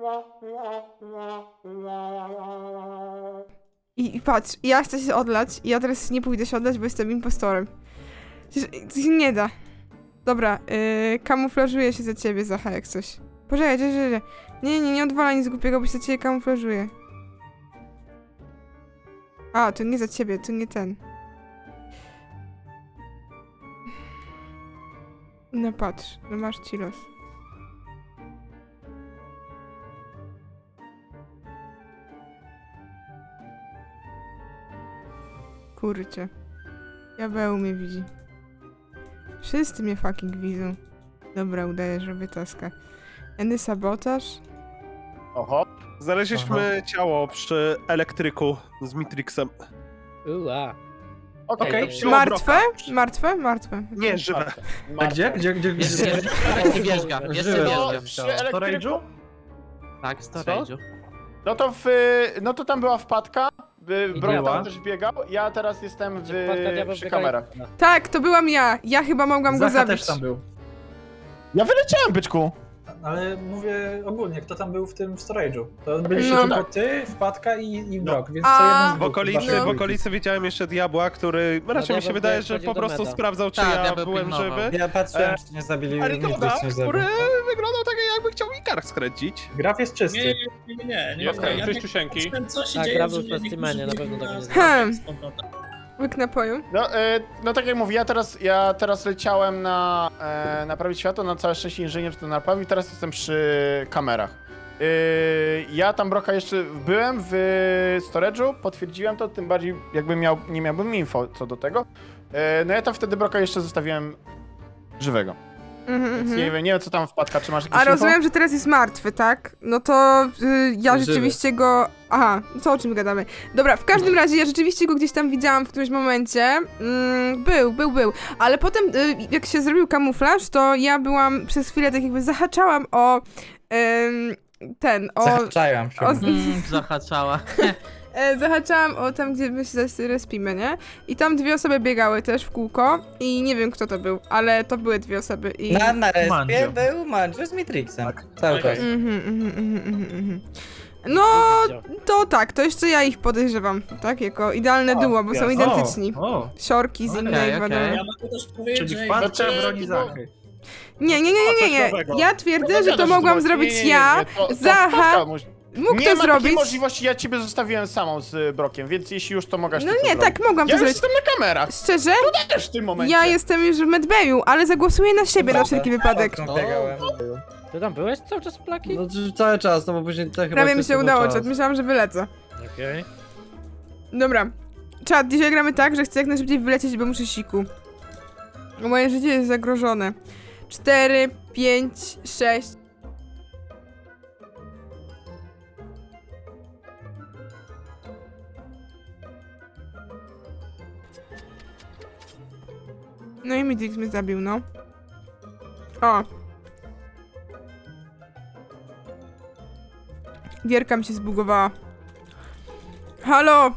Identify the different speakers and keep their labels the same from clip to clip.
Speaker 1: I patrz, ja chcę się odlać i ja teraz nie pójdę się odlać, bo jestem impostorem. To się nie da. Dobra, kamuflażuję się za ciebie, Zacha, jak coś. Poczekaj, nie odwala nic głupiego, bo się za ciebie kamuflażuję. A, to nie za ciebie, to nie ten. No patrz, no masz ci los. Kurczę. Diabeł mnie widzi. Wszyscy mnie fucking widzą. Dobra, udaję, że robię taska. Eny sabotaż?
Speaker 2: Oho. Znaleźliśmy ciało przy elektryku z Mitrixem.
Speaker 3: Ua.
Speaker 2: Okej.
Speaker 1: Martwe? Martwe?
Speaker 2: Nie, żywe.
Speaker 4: A gdzie?
Speaker 3: Jeszcze wierzga, jeszcze
Speaker 2: No,
Speaker 3: wierzga.
Speaker 2: przy elektryku?
Speaker 3: Tak, w storage'u.
Speaker 2: No to tam była wpadka. Bro
Speaker 4: była?
Speaker 2: tam też biegał. Ja teraz jestem przy kamerach.
Speaker 1: Tak, to byłam ja. Ja chyba mogłam go
Speaker 4: Zacha
Speaker 1: zabić.
Speaker 4: też tam był.
Speaker 2: Ja wyleciałem, byczku.
Speaker 5: Ale mówię ogólnie, kto tam był w tym storage'u. To byliście
Speaker 1: No.
Speaker 5: tylko ty, Wpadka i Brok, więc
Speaker 1: A.
Speaker 5: co jeden z
Speaker 2: W
Speaker 5: dwóch
Speaker 2: okolicy,
Speaker 5: chyba
Speaker 2: w okolicy widziałem jeszcze diabła, który raczej mi się
Speaker 3: diabeł
Speaker 2: wydaje, że
Speaker 3: wchodził
Speaker 2: po
Speaker 3: do
Speaker 2: prostu
Speaker 3: meta.
Speaker 2: sprawdzał, czy
Speaker 3: Tak,
Speaker 2: ja
Speaker 3: diabeł
Speaker 2: byłem
Speaker 3: pilnował.
Speaker 2: żywy.
Speaker 6: Ja patrzyłem, czy nie zabili
Speaker 2: Arigoda,
Speaker 6: nic nie
Speaker 2: który
Speaker 6: zabił.
Speaker 2: wyglądał tak, jakby chciał mi kark skręcić.
Speaker 5: Graf jest czysty.
Speaker 7: Nie.
Speaker 8: Okej,
Speaker 7: Ja
Speaker 8: czyściusieńki.
Speaker 7: co się
Speaker 3: Tak,
Speaker 7: dzieje,
Speaker 3: Graf
Speaker 7: że
Speaker 3: był w specimenie, na pewno tak nie
Speaker 1: Hmm.
Speaker 7: z powrotem.
Speaker 1: Łyk napoju.
Speaker 2: No tak jak mówię, ja teraz leciałem na naprawić światło, na całe szczęście inżynier to naprawił i teraz jestem przy kamerach. Ja tam Broka jeszcze byłem w storage'u, potwierdziłem to, tym bardziej jakby nie miałbym info co do tego. No ja tam wtedy Broka jeszcze zostawiłem żywego. Więc nie wiem co tam wpadka, czy masz jakieś
Speaker 1: A
Speaker 2: info?
Speaker 1: rozumiem, że teraz jest martwy, tak? No to ja
Speaker 6: Żywy.
Speaker 1: rzeczywiście go... Aha, co o czym gadamy? Dobra, w każdym razie ja rzeczywiście go gdzieś tam widziałam w którymś momencie. Był. Ale potem, jak się zrobił kamuflaż, to ja byłam przez chwilę tak jakby zahaczałam o...
Speaker 6: Zahaczałem się.
Speaker 3: Zahaczała.
Speaker 1: Zahaczałam o tam, gdzie my się respimy, nie? I tam dwie osoby biegały też w kółko i nie wiem kto to był, ale to były dwie osoby i...
Speaker 6: Na respie
Speaker 5: Mandzio.
Speaker 6: był Mandzio z Mitrixem. Cały czas.
Speaker 1: No, to tak, to jeszcze ja ich podejrzewam, tak? Jako idealne duo, bo są identyczni.
Speaker 5: O,
Speaker 1: Siorki z
Speaker 3: Okej,
Speaker 1: innej,
Speaker 3: okej.
Speaker 1: wiadomo.
Speaker 7: Ja mogę też powiedzieć,
Speaker 5: czyli
Speaker 7: że
Speaker 5: Wpadka
Speaker 2: Znaczy,
Speaker 5: broni Zachy.
Speaker 1: Nie.
Speaker 2: coś nowego.
Speaker 1: Ja twierdzę, że to mogłam zrobić ja. Zacha mógł
Speaker 2: nie
Speaker 1: to
Speaker 2: ma
Speaker 1: zrobić.
Speaker 2: takiej możliwości, ja ciebie zostawiłem samą z Brokiem, więc jeśli już to mogłaś
Speaker 1: No
Speaker 2: ty to
Speaker 1: nie,
Speaker 2: zrobić.
Speaker 1: tak, mogłam
Speaker 2: Ja
Speaker 1: to
Speaker 2: już
Speaker 1: zrobić.
Speaker 2: jestem na kamerach,
Speaker 1: Szczerze?
Speaker 2: też w tym momencie.
Speaker 1: Ja jestem już w medbayu, ale zagłosuję na siebie na wszelki wypadek.
Speaker 6: Okno biegałem.
Speaker 3: Ty tam byłeś cały czas w plaki?
Speaker 6: No cały czas, no bo później te chyba
Speaker 1: Prawie mi
Speaker 6: przez
Speaker 1: się
Speaker 6: cały
Speaker 1: udało,
Speaker 6: czas.
Speaker 1: czat. Myślałam, że wylecę.
Speaker 3: Okej.
Speaker 1: Dobra. Czat, dzisiaj gramy tak, że chcę jak najszybciej wylecieć, bo muszę siku. Bo moje życie jest zagrożone. 4, 5, 6. No i Midrix mnie zabił, no. O. Gierka mi się zbugowała. Halo!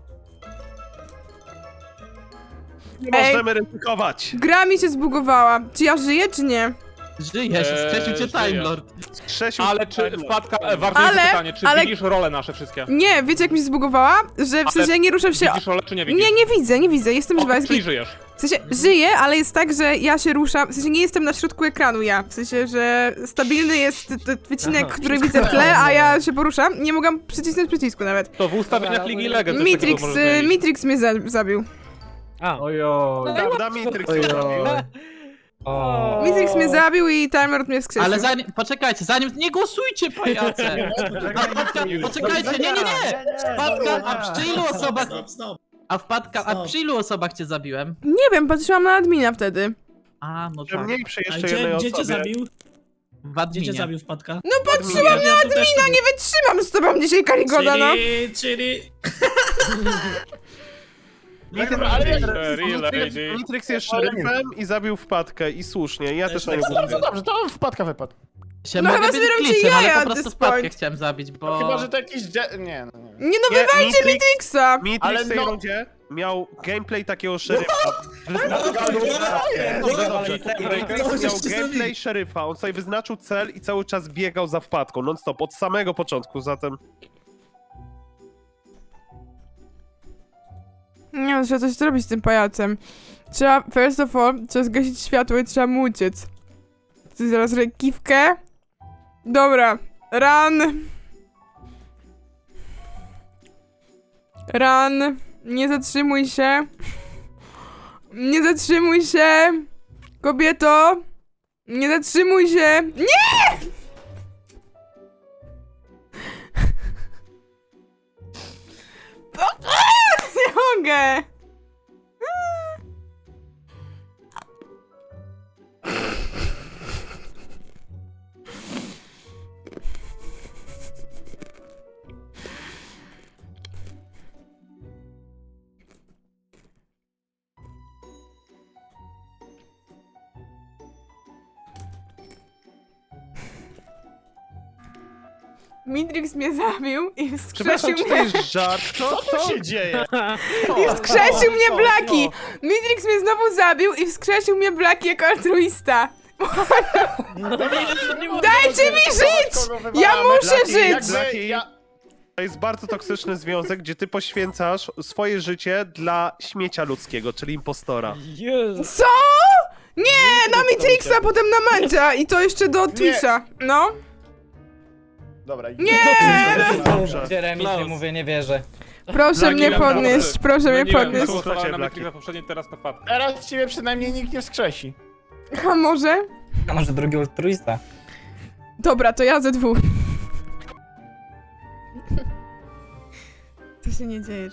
Speaker 2: Nie
Speaker 1: Ej.
Speaker 2: możemy ryzykować.
Speaker 1: Gra mi się zbugowała. Czy ja żyję, czy nie?
Speaker 3: Żyjesz, skreślił cię
Speaker 8: żyję.
Speaker 3: Time Lord.
Speaker 2: Krzesiu,
Speaker 8: Ale czy wpadka, ważniejsze pytanie, czy widzisz role nasze wszystkie?
Speaker 1: Nie, wiecie jak mi się zbugowała? Że w sensie nie ruszam się...
Speaker 8: Widzisz role, czy nie widzisz?
Speaker 1: Nie widzę, jestem żywa.
Speaker 8: Czyli żyjesz.
Speaker 1: W sensie żyję, ale jest tak, że ja się ruszam, w sensie nie jestem na środku ekranu ja, w sensie, że stabilny jest wycinek,
Speaker 3: Aha.
Speaker 1: który widzę w tle, a ja się poruszam. Nie mogłam przycisnąć przycisku nawet.
Speaker 8: To w ustawieniach Ligi Legend coś takiego możesz zmienić.
Speaker 1: Mitrix mnie zabił.
Speaker 3: A,
Speaker 5: Ojo.
Speaker 2: Prawda, Mitrix
Speaker 6: Ojoj.
Speaker 5: O.
Speaker 1: Mitrix mnie zabił i Timer mnie wskrzesił.
Speaker 3: ale poczekajcie, nie głosujcie, pajace! A wpadka, poczekajcie, nie! Wpadka, a przy ilu osobach cię zabiłem?
Speaker 1: Nie wiem, patrzyłam na admina wtedy.
Speaker 3: A, no
Speaker 2: Że
Speaker 3: tak,
Speaker 2: mniej przy
Speaker 7: A
Speaker 2: jeszcze jednej
Speaker 7: gdzie cię
Speaker 2: osobie.
Speaker 7: zabił?
Speaker 3: w
Speaker 7: Gdzie cię
Speaker 3: adminie.
Speaker 7: zabił Wpadka?
Speaker 1: No patrzyłam na admina, nie wytrzymam z tobą dzisiaj, Karigoda, no.
Speaker 7: Czyli...
Speaker 2: Mitrix jest szeryfem i zabił wpadkę i słusznie, ja też na niego
Speaker 7: tak
Speaker 2: No dobrze, to wpadka wypadł.
Speaker 3: Się
Speaker 1: No
Speaker 3: mogę
Speaker 1: chyba
Speaker 3: być
Speaker 1: sobie robicie
Speaker 3: glitchem, ale
Speaker 1: jaja
Speaker 3: po
Speaker 1: at
Speaker 3: prostu
Speaker 1: this
Speaker 3: wpadkę
Speaker 1: point.
Speaker 3: chciałem zabić, bo...
Speaker 2: Chyba, że to jakiś... Nie.
Speaker 1: Nie no, wywalcie Mitrixa!
Speaker 2: Ale
Speaker 1: no.
Speaker 4: miał gameplay takiego szeryfa. Wyznaczył Dobrze, dobrze. Matrix miał gameplay szeryfa, on sobie wyznaczył cel i cały czas biegał za wpadką, non stop, od samego początku, zatem...
Speaker 1: Nie no, trzeba coś zrobić z tym pajacem. Trzeba, first of all, trzeba zgasić światło i trzeba mu uciec. Chcesz zaraz rękiwkę? Dobra, run. Run. Nie zatrzymuj się. Nie zatrzymuj się. Kobieto. Nie zatrzymuj się. Nie! Nie mogę. Mitrix mnie zabił i wskrzesił
Speaker 4: Przepraszam, czy to
Speaker 1: mnie.
Speaker 4: jest żart?
Speaker 2: Co się dzieje?
Speaker 1: I wskrzesił mnie Blaki! Mitrix mnie znowu zabił i wskrzesił mnie Blaki jako altruista. Dajcie mi żyć! Ja muszę żyć!
Speaker 4: To jest bardzo toksyczny związek, gdzie ty poświęcasz swoje życie dla śmiecia ludzkiego, czyli impostora.
Speaker 1: Co? Nie, na Mitrixa, potem na Mandzia i to jeszcze do Twitcha. No.
Speaker 2: Dobra,
Speaker 1: Nie!
Speaker 2: Dobrze.
Speaker 6: Jeremy, nie mówię, nie wierzę.
Speaker 1: Proszę
Speaker 8: Blaki,
Speaker 1: mnie
Speaker 8: ja
Speaker 1: podnieść, proszę mnie
Speaker 8: No nie wiem,
Speaker 1: podnieść.
Speaker 8: głosowałem na
Speaker 4: Blaki.
Speaker 8: Matrixa poprzedniej, teraz na Fatka.
Speaker 2: Teraz ciebie przynajmniej nikt nie wskrzesi.
Speaker 1: A może?
Speaker 6: A może drugi altruista?
Speaker 1: Dobra, to ja ze dwóch. To się nie dzieje.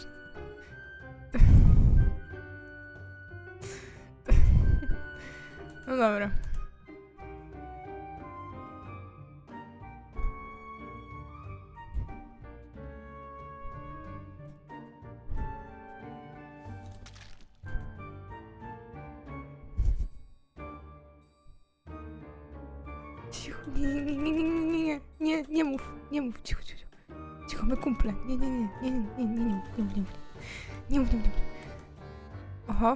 Speaker 1: No dobra. Cicho, nie mów, cicho. Cicho, my kumple. Nie mów. Oho.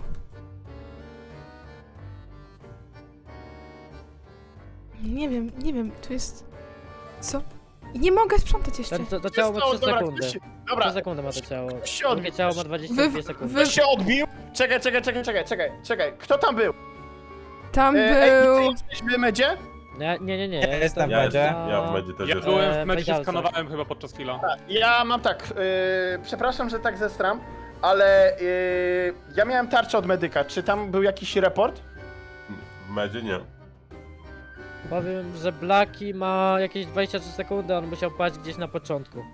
Speaker 1: Nie wiem, to jest... Co? Nie mogę sprzątać jeszcze.
Speaker 9: To ciało ma 3
Speaker 2: Dobra,
Speaker 9: sekundy.
Speaker 2: ktoś
Speaker 9: 3
Speaker 2: Dobra,
Speaker 9: sekundy ma to ciało.
Speaker 2: ktoś się odbił.
Speaker 9: Drugie ciało ma 22 sekundy.
Speaker 2: Ktoś się odbił? Czekaj. Kto tam był?
Speaker 1: Tam
Speaker 2: Ej,
Speaker 1: był...
Speaker 2: ty jesteś w medzie?
Speaker 9: Nie.
Speaker 6: Ja jestem w
Speaker 10: Ja
Speaker 6: medzie.
Speaker 10: Ja w medzie też
Speaker 8: Ja
Speaker 10: jestem.
Speaker 8: byłem w meczu, się
Speaker 9: Wejdzialca.
Speaker 8: skanowałem chyba podczas chwila.
Speaker 2: Ja mam tak, przepraszam, że tak zestram, ale ja miałem tarczę od medyka. Czy tam był jakiś report?
Speaker 10: W medzie nie.
Speaker 9: Powiem, że Blaki ma jakieś 23 sekundy, on musiał paść gdzieś na początku.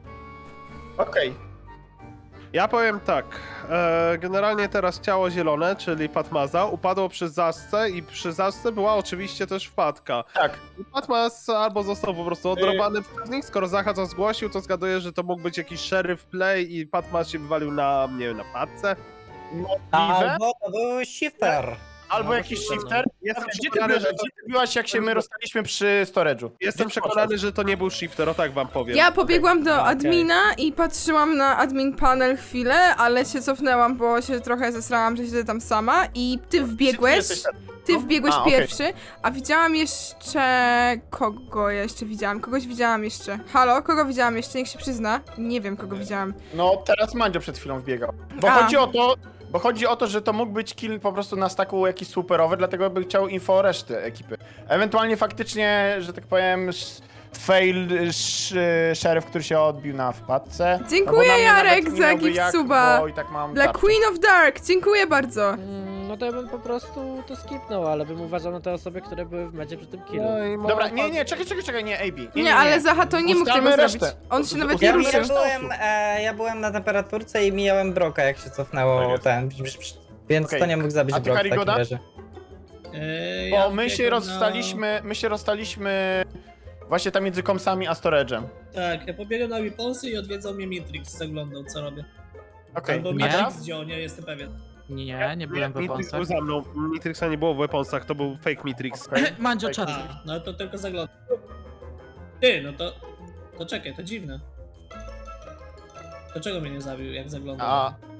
Speaker 2: Okej.
Speaker 4: Ja powiem tak, generalnie teraz ciało zielone, czyli Patmaza, upadło przy zasce i przy zasce była oczywiście też wpadka.
Speaker 2: Tak.
Speaker 4: I Patmaz albo został po prostu odrobany przez nich, skoro Zacha to zgłosił, to zgaduję, że to mógł być jakiś szeryf play i Patmaz się wywalił na, nie wiem, na wpadce.
Speaker 2: Możliwe.
Speaker 6: Albo to był shifter.
Speaker 2: Albo jakiś shifter.
Speaker 4: Jestem
Speaker 2: Gdzie ty
Speaker 4: przekonany,
Speaker 2: byłeś,
Speaker 4: że to,
Speaker 2: gdzie ty byłaś, jak się my rozstaliśmy przy storage'u?
Speaker 4: jestem
Speaker 2: Gdzie ty
Speaker 4: przekonany, że to nie był shifter, o tak wam powiem.
Speaker 1: Ja pobiegłam do
Speaker 9: Okej.
Speaker 1: admina i patrzyłam na admin panel chwilę, ale się cofnęłam, bo się trochę zesrałam, że siedzę tam sama i ty wbiegłeś.
Speaker 2: jesteś tam?
Speaker 1: Ty wbiegłeś
Speaker 2: A, okej.
Speaker 1: pierwszy, a widziałam jeszcze... Kogo ja jeszcze widziałam? Kogoś widziałam jeszcze. Halo? Kogo widziałam jeszcze? Niech się przyzna. Nie wiem, kogo widziałam.
Speaker 2: No, teraz Mandzio przed chwilą wbiegał. Bo chodzi o to, że to mógł być kill po prostu na staku jakiś superowy, dlatego bym chciał info o reszty ekipy. Ewentualnie faktycznie, że tak powiem, fail sheriff, który się odbił na wpadce.
Speaker 1: Dziękuję,
Speaker 2: No bo na mnie
Speaker 1: Jarek,
Speaker 2: nawet nie
Speaker 1: za
Speaker 2: miałby
Speaker 1: gift
Speaker 2: jak,
Speaker 1: suba.
Speaker 2: bo i tak mam
Speaker 1: Dla
Speaker 2: tarczę.
Speaker 1: Queen of Dark, dziękuję bardzo.
Speaker 9: No to ja bym po prostu to skipnął, ale bym uważał na te osoby, które były w medzie przy tym killu.
Speaker 4: No i
Speaker 2: Dobra, nie, czekaj, nie, AB.
Speaker 1: Nie, ale Zaha to nie mógł
Speaker 2: Ustalmy
Speaker 1: tego
Speaker 2: resztę.
Speaker 1: zrobić. On się nawet nie
Speaker 6: Ja,
Speaker 2: Ustalmy
Speaker 1: ruszył.
Speaker 6: byłem na temperaturce i mijałem Broka, jak się cofnęło
Speaker 10: Tak jest.
Speaker 6: ten. Więc
Speaker 2: Okej.
Speaker 6: to nie mógł zabić
Speaker 2: A ty,
Speaker 6: Brok w takim
Speaker 2: Karigoda?
Speaker 6: razie.
Speaker 2: Bo my się rozstaliśmy właśnie tam między komsami a storage'em.
Speaker 7: Tak, ja pobiegłem na Weaponsy i odwiedzał mnie Mitrix, zaglądał co robię.
Speaker 2: Okej,
Speaker 7: Albo
Speaker 2: a
Speaker 3: Nie.
Speaker 2: teraz?
Speaker 7: Mitrix wziął, nie jestem pewien.
Speaker 3: Nie byłem w
Speaker 4: Mitrix
Speaker 3: Weaponsach.
Speaker 4: był za mną, Mitrixa nie było w weaponsach, to był fake Mitrix.
Speaker 3: Mandzio czat.
Speaker 7: A, no to tylko zaglądał. Ty, no to czekaj, to dziwne. Dlaczego mnie nie zabił, jak zaglądał?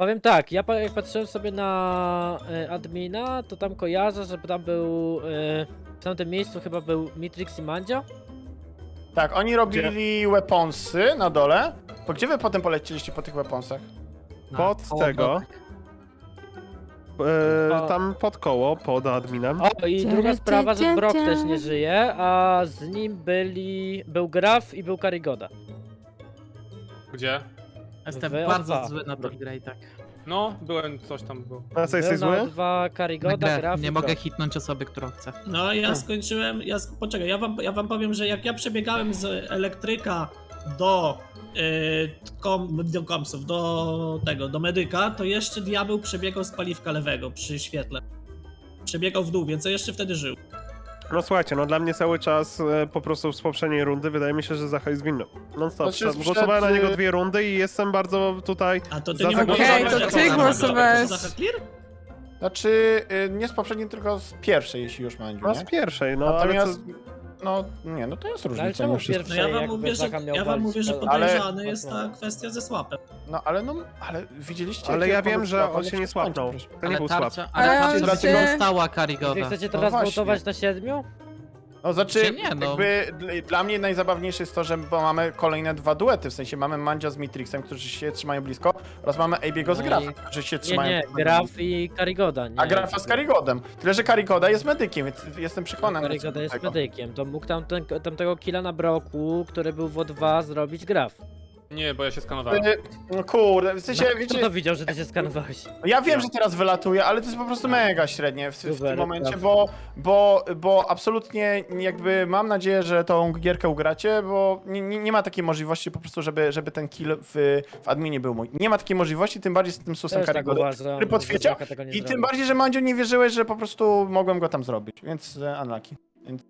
Speaker 9: Powiem tak, jak patrzyłem sobie na admina, to tam kojarzę, że tam był, w tamtym miejscu chyba był Mitrix i Mandzio.
Speaker 2: Tak, oni robili weaponsy na dole. To gdzie wy potem polecieliście po tych weaponsach?
Speaker 4: Pod tego. Tam pod koło, pod adminem.
Speaker 9: O, i druga sprawa, że Brock też nie żyje, a z nim był Graf i był Karigoda.
Speaker 8: Gdzie?
Speaker 3: Jestem
Speaker 9: Wy
Speaker 3: bardzo
Speaker 9: O2.
Speaker 3: zły na tą grę i tak.
Speaker 8: No, byłem, coś tam było.
Speaker 4: A co, jesteś
Speaker 9: Był na
Speaker 4: zły?
Speaker 9: dwa
Speaker 3: Na
Speaker 9: Karigoda,
Speaker 3: grę.
Speaker 9: Graf i
Speaker 3: Nie
Speaker 9: Brock.
Speaker 3: mogę hitnąć osoby, którą chcę.
Speaker 7: No ja skończyłem, poczekaj, ja wam powiem, że jak ja przebiegałem z elektryka do do komsów, do medyka, to jeszcze diabeł przebiegał z paliwka lewego przy świetle. Przebiegał w dół, więc ja jeszcze wtedy żył.
Speaker 4: No słuchajcie, no dla mnie cały czas po prostu z poprzedniej rundy wydaje mi się, że Zacha jest winny. No stop,
Speaker 2: Znaczy,
Speaker 4: głosowałem na
Speaker 2: przed-
Speaker 4: niego 2 rundy i jestem bardzo tutaj...
Speaker 7: A to ty
Speaker 4: Za
Speaker 7: nie
Speaker 4: tak-
Speaker 7: mogłeś
Speaker 1: Okej,
Speaker 7: zabrać,
Speaker 1: to
Speaker 7: jak
Speaker 1: ty
Speaker 7: to
Speaker 1: głosowałeś.
Speaker 7: Zacha clear?
Speaker 2: Znaczy, nie z poprzedniej, tylko z pierwszej, jeśli już Mandziu,
Speaker 4: No
Speaker 2: nie?
Speaker 4: z pierwszej, no ale
Speaker 2: Natomiast,
Speaker 4: co...
Speaker 2: no nie, no to jest
Speaker 9: Ale
Speaker 2: różnica
Speaker 9: czemu
Speaker 2: mimo wszystko.
Speaker 7: No
Speaker 9: pierwszej
Speaker 7: ja wam
Speaker 9: jakby
Speaker 7: mówię, że,
Speaker 9: Zacha miał
Speaker 7: ja wam
Speaker 9: walić
Speaker 7: mówię, że
Speaker 9: po-
Speaker 7: podejrzany jest ta kwestia ze swapem.
Speaker 2: No ale widzieliście...
Speaker 4: Ale
Speaker 2: jakie
Speaker 4: ja wiem,
Speaker 2: pomysły
Speaker 4: że
Speaker 2: ma
Speaker 4: on się nie
Speaker 2: przestańcie,
Speaker 4: swapnął.
Speaker 2: proszę.
Speaker 4: To nie był swap.
Speaker 3: Ale
Speaker 1: Ale
Speaker 3: tarcza
Speaker 1: się-
Speaker 3: się stała
Speaker 9: Wy
Speaker 3: Karigoda.
Speaker 9: chcecie
Speaker 2: No
Speaker 9: teraz
Speaker 2: właśnie.
Speaker 9: votować na 7?
Speaker 2: No znaczy,
Speaker 3: Czy nie, no.
Speaker 2: jakby dla mnie najzabawniejsze jest to, że bo mamy kolejne 2 duety, w sensie mamy Mandzia z Matrixem, którzy się trzymają blisko, oraz mamy AB'ego z
Speaker 9: No i-
Speaker 2: Grafem, którzy się
Speaker 9: Nie,
Speaker 2: trzymają
Speaker 9: nie,
Speaker 2: blisko.
Speaker 9: Graf i Karigoda, nie.
Speaker 2: A Grafa z Karigodem. Tyle, że Karigoda jest medykiem, więc jestem przekonany.
Speaker 9: Karigoda
Speaker 2: co do
Speaker 9: jest
Speaker 2: tego.
Speaker 9: medykiem, to mógł tamtego killa na Broku, który był w O2 zrobić Graf.
Speaker 8: Nie, bo ja się skanowałem.
Speaker 2: No kurde, w sensie,
Speaker 9: Kto
Speaker 2: wiecie,
Speaker 9: to widział, że ty się skanowałeś?
Speaker 2: ja wiem, że teraz wylatuje, ale to jest po prostu mega średnie w tym
Speaker 9: Super,
Speaker 2: momencie,
Speaker 9: tak.
Speaker 2: bo absolutnie jakby mam nadzieję, że tą gierkę ugracie, bo nie ma takiej możliwości po prostu, żeby ten kill w adminie był mój. Nie ma takiej możliwości, tym bardziej z tym susem
Speaker 9: Też tak
Speaker 2: Karigoda,
Speaker 9: uważam,
Speaker 2: który potwierdził.
Speaker 9: że Zacha tego nie
Speaker 2: I tym
Speaker 9: zrobi.
Speaker 2: bardziej, że Mandzio nie wierzyłeś, że po prostu mogłem go tam zrobić, więc unlucky. Więc...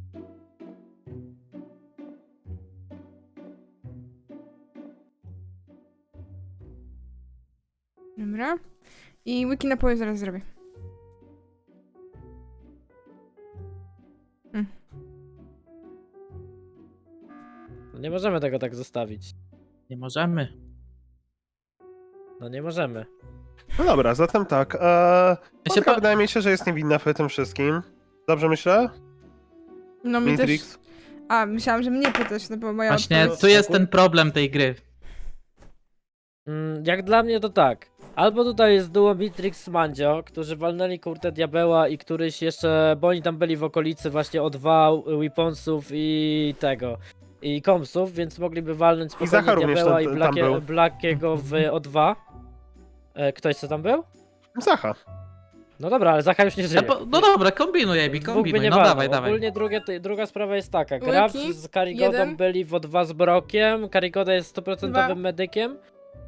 Speaker 1: Dobra. I wiki napoju zaraz zrobię.
Speaker 9: No nie możemy tego tak zostawić.
Speaker 3: Nie możemy.
Speaker 9: No nie możemy.
Speaker 4: No dobra, zatem tak.
Speaker 3: Ja się
Speaker 4: Matka
Speaker 3: pa-
Speaker 4: wydaje mi się, że jest niewinna w tym wszystkim. Dobrze myślę?
Speaker 1: No mi też...
Speaker 4: Matrix?
Speaker 1: A, myślałam, że mnie pytasz, no bo moja
Speaker 3: Właśnie,
Speaker 1: odpowiedź...
Speaker 3: tu jest ten problem tej gry.
Speaker 9: Jak dla mnie to tak. Albo tutaj jest duo Mitrix z Mandzio, którzy walnęli kurtę diabeła i któryś jeszcze, bo oni tam byli w okolicy właśnie O2, Weaponsów i tego. I komsów, więc mogliby walnąć
Speaker 4: Zacha
Speaker 9: spokojnie
Speaker 4: również
Speaker 9: diabeła
Speaker 4: tam-
Speaker 9: i
Speaker 4: tam był.
Speaker 9: Blackiego w O2. Ktoś co tam był?
Speaker 4: Zacha.
Speaker 9: No dobra, ale Zacha już nie żyje.
Speaker 3: No dobra, kombinuj, Ebi,
Speaker 9: Dwóch by
Speaker 3: kombinuj,
Speaker 9: nie
Speaker 3: no
Speaker 9: walnął.
Speaker 3: dawaj, dawaj.
Speaker 9: Ogólnie druga sprawa jest taka. Graf
Speaker 1: Łyki,
Speaker 9: z Karigodą
Speaker 1: 1.
Speaker 9: byli w O2 z Brokiem. Karigoda jest 100%
Speaker 1: 2.
Speaker 9: medykiem.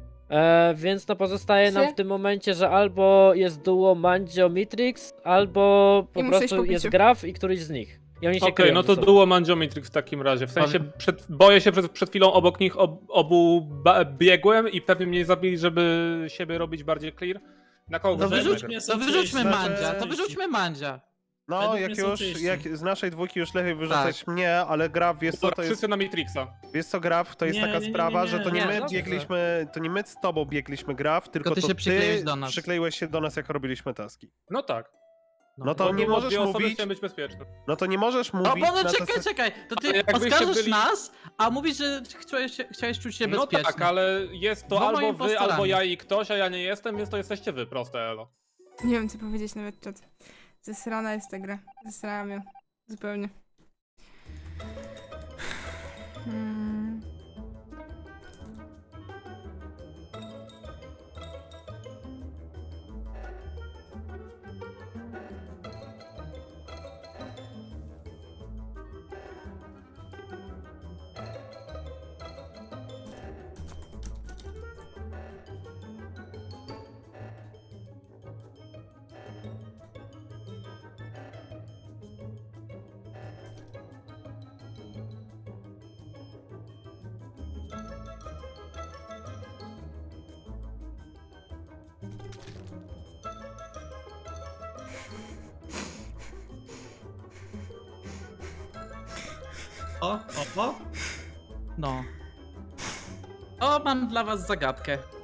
Speaker 9: Więc no pozostaje nam
Speaker 1: 3.
Speaker 9: w tym momencie, że albo jest duo Mandzio Mitrix, albo po
Speaker 1: I muszę iść
Speaker 9: prostu
Speaker 1: po
Speaker 9: jest
Speaker 1: piciu.
Speaker 9: Graf i któryś z nich. I oni się
Speaker 8: Okej,
Speaker 9: kryją
Speaker 8: no
Speaker 9: ze
Speaker 8: to
Speaker 9: sobą.
Speaker 8: duo Mandzio Matrix w takim razie. W sensie boję się, przed chwilą obok nich obu biegłem i pewnie mnie zabili, żeby siebie robić bardziej clear. Na kogo
Speaker 3: To
Speaker 8: głosujemy?
Speaker 3: wyrzućmy
Speaker 4: Znaczy-
Speaker 3: Mandzia, to wyrzućmy Mandzia.
Speaker 4: No,
Speaker 7: Według
Speaker 4: jak
Speaker 7: mnie są
Speaker 4: już,
Speaker 7: czyści.
Speaker 4: jak z naszej dwójki już lepiej wyrzucać mnie, ale Graf, wiesz co,
Speaker 8: Dobra,
Speaker 4: to jest...
Speaker 8: wszyscy na Matrixa.
Speaker 4: Wiesz co, Graf, to jest
Speaker 7: Nie,
Speaker 4: taka
Speaker 7: nie, nie,
Speaker 4: sprawa,
Speaker 7: nie,
Speaker 4: że to nie
Speaker 9: nie,
Speaker 4: my
Speaker 9: dobrze.
Speaker 4: biegliśmy, to nie my z tobą biegliśmy Graf, tylko
Speaker 3: ty
Speaker 4: to
Speaker 3: się przykleiłeś do nas.
Speaker 4: przykleiłeś się do nas, jak robiliśmy taski.
Speaker 8: No tak.
Speaker 4: No to
Speaker 8: Bo
Speaker 4: nie
Speaker 8: było
Speaker 4: możesz
Speaker 8: dwie osoby,
Speaker 4: mówić,
Speaker 8: chciałem być bezpieczny.
Speaker 4: no to nie możesz
Speaker 3: No
Speaker 4: mówić
Speaker 3: bo no
Speaker 4: na
Speaker 3: czekaj, czekaj, to ty
Speaker 8: Ale jakbyście
Speaker 3: oskarżysz
Speaker 8: byli-
Speaker 3: nas, a mówisz, że chciałeś czuć się
Speaker 8: No
Speaker 3: bezpiecznie.
Speaker 8: tak, ale jest to
Speaker 3: Dwoma
Speaker 8: albo wy,
Speaker 3: impostorami.
Speaker 8: albo ja i ktoś, a ja nie jestem, więc to jesteście wy, proste elo.
Speaker 1: Nie wiem co powiedzieć nawet, czat. Zesrana jest ta gra. Zesrałam ją. Zupełnie.
Speaker 7: O.
Speaker 3: No. O, mam dla was zagadkę.